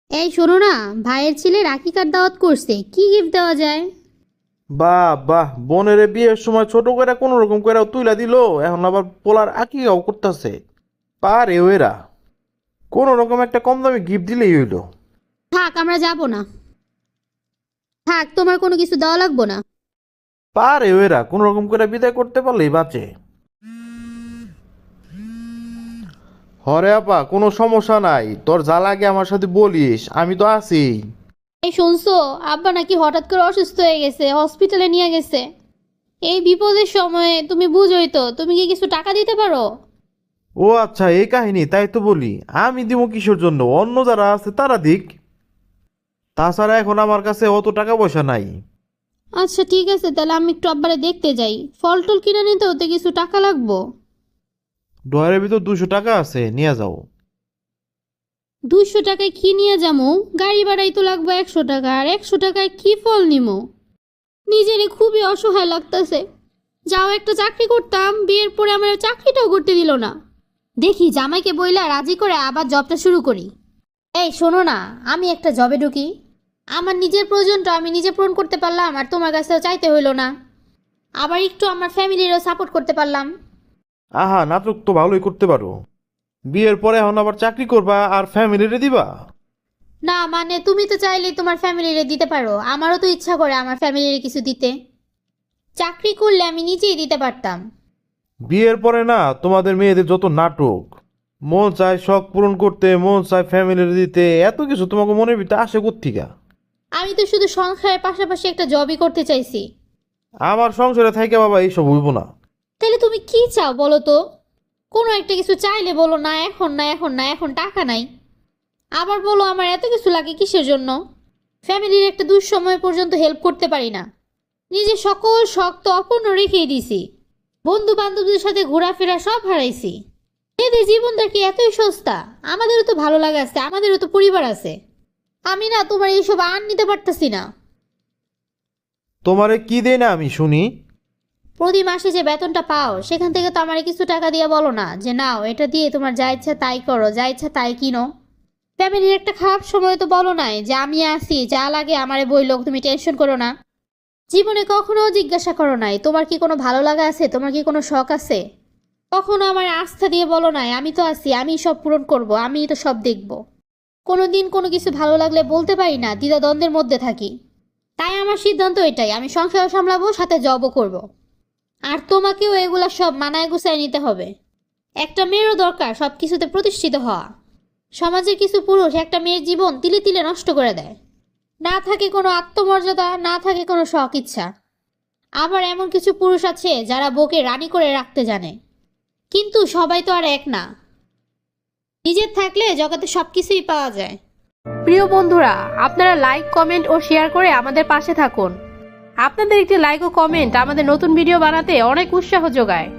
এই শোনো না, ভাইয়ের ছেলে রাখি কার্ড দাওয়াত করছে, কি গিফট দেওয়া যায়? বাহ বাহ, বোনের বিয়ের সময় ছোট করে কোন রকম করে তুইলা দিল, এখন আবার পোলার আকিকাও করতেছে। পারে ওরা কোন রকম একটা কম দামি গিফট দিলেই হইলো। থাক, আমরা যাব না। থাক, তোমার কোনো কিছু দেওয়া লাগবো না। পারে ওরা কোন রকম করে বিদায় করতে পারলেই বাঁচে। হরে আপা, কোনো সমস্যা নাই, তোর যা লাগে আমার সাথে বলিস, আমি তো আছি। এই শুনছো, আব্বা নাকি হঠাৎ করে অসুস্থ হয়ে গেছে, হসপিটালে নিয়ে গেছে। এই বিপদের সময়ে তুমি বুঝোই তো, তুমি কি কিছু টাকা দিতে পারো? ও আচ্ছা, এই কাহিনী, তাই তো বলি। আমি দিব কিসের জন্য, অন্য যারা আছে তারা দিক। তাছাড়া এখন আমার কাছে অত টাকা পয়সা নাই। আচ্ছা ঠিক আছে, তাহলে আমি একটু আব্বারে দেখতে যাই। ফল টল কিনে নিতে হতে কিছু টাকা লাগবো। ডয়ারের ভিতর 200 টাকা আছে, নিয়ে যাও। 200 টাকায় কি নিয়ে যামু? গাড়ি ভাড়াই তো লাগবে 100 টাকা, আর 100 টাকায় কি ফল নিমো? নিজেরে খুবই অসহায় লাগতেছে। যাও, একটা চাকরি করতাম, বিয়ের পরে আমার চাকরিটাও করতে দিল না। দেখি জামাইকে বইলা রাজি করে আবার জবটা শুরু করি। এই শোনো না, আমি একটা জবে ঢুকি। আমার নিজের প্রয়োজনটা আমি নিজে পূরণ করতে পারলাম, আর তোমার কাছেও চাইতে হইল না। আবার একটু আমার ফ্যামিলিরও সাপোর্ট করতে পারলাম। আহা, নাটক তো ভালোই করতে পারো। বিয়ের পরে এখন আবার চাকরি করবা আর ফ্যামিলিরে দিবা? না মানে, তুমি তো চাইলেই তোমার ফ্যামিলিরে দিতে পারো, আমারও তো ইচ্ছা করে আমার ফ্যামিলিরে কিছু দিতে। চাকরি করলে আমি নিজেই দিতে পারতাম। বিয়ের পরে না, তোমাদের মেয়েদের যত নাটক, মন চায় শখ পূরণ করতে, মন চায় ফ্যামিলির দিতে, এত কিছু তোমাকে মনের ভিতরে আসে কোত্থেকা? আমি তো শুধু সংসারের পাশাপাশি একটা জবই করতে চাইছি। আমার সংসারে থাইকা বাবা এইসব হইব না। তাহলে তুমি কি চাও বলো তো? কোনো একটা কিছু চাইলে বলো না এখন, না এখন, না এখন টাকা নাই। আবার বলো আমার এত কিছু লাগে কিসের জন্য? ফ্যামিলির একটা দুঃসময় পর্যন্ত হেল্প করতে পারি না। নিজের সকল শখ তো অপূর্ণ রেখেই দিছি। বন্ধু বান্ধবদের সাথে ঘোরাফেরা সব হারাইছি। এদের জীবনটা কি এতই সস্তা? আমাদেরও তো ভালো লাগা আছে, আমাদেরও তো পরিবার আছে। আমি না তোমার এইসব আর নিতে পারতেছি না। তোমারে কি দেই না আমি শুনি? প্রতি মাসে যে বেতনটা পাও, সেখান থেকে তো আমারে কিছু টাকা দিয়ে বলো না যে নাও, এটা দিয়ে তোমার যা ইচ্ছা তাই করো, যা ইচ্ছা তাই কিনো। ফ্যামিলির একটা খারাপ সময় তো বলো নাই যে আমি আছি, যা লাগে আমারে বইলো, তুমি টেনশন করো না। জীবনে কখনো জিজ্ঞাসা করো নাই তোমার কি কোনো ভালো লাগা আছে, তোমার কি কোনো শখ আছে। কখনো আমার আস্থা দিয়ে বলো নাই আমি তো আছি, আমি সব পূরণ করব, আমি তো সব দেখব। কোনো দিন কোনো কিছু ভালো লাগলে বলতে পারি না, দ্বিধাদ্বন্দ্বের মধ্যে থাকি। তাই আমার সিদ্ধান্ত এটাই, আমি সংসারও সামলাবো, সাথে জবও করব। আর তোমাকেও এগুলা সব মানায় গুছায় নিতে হবে। একটা মেয়েরও দরকার সব কিছুতে প্রতিষ্ঠিত হওয়া। সমাজের কিছু পুরুষ একটা মেয়ের জীবন তিলে তিলে নষ্ট করে দেয়। না থাকে কোনো আত্মমর্যাদা, না থাকে কোনো শখ ইচ্ছা। আবার এমন কিছু পুরুষ আছে যারা বউকে রানী করে রাখতে জানে। কিন্তু সবাই তো আর এক না। নিজের থাকলে জগতে সব কিছুই পাওয়া যায়। প্রিয় বন্ধুরা, আপনারা লাইক, কমেন্ট ও শেয়ার করে আমাদের পাশে থাকুন। আপনাদের একটি লাইক ও কমেন্ট আমাদের নতুন ভিডিও বানাতে অনেক উৎসাহ যোগায়।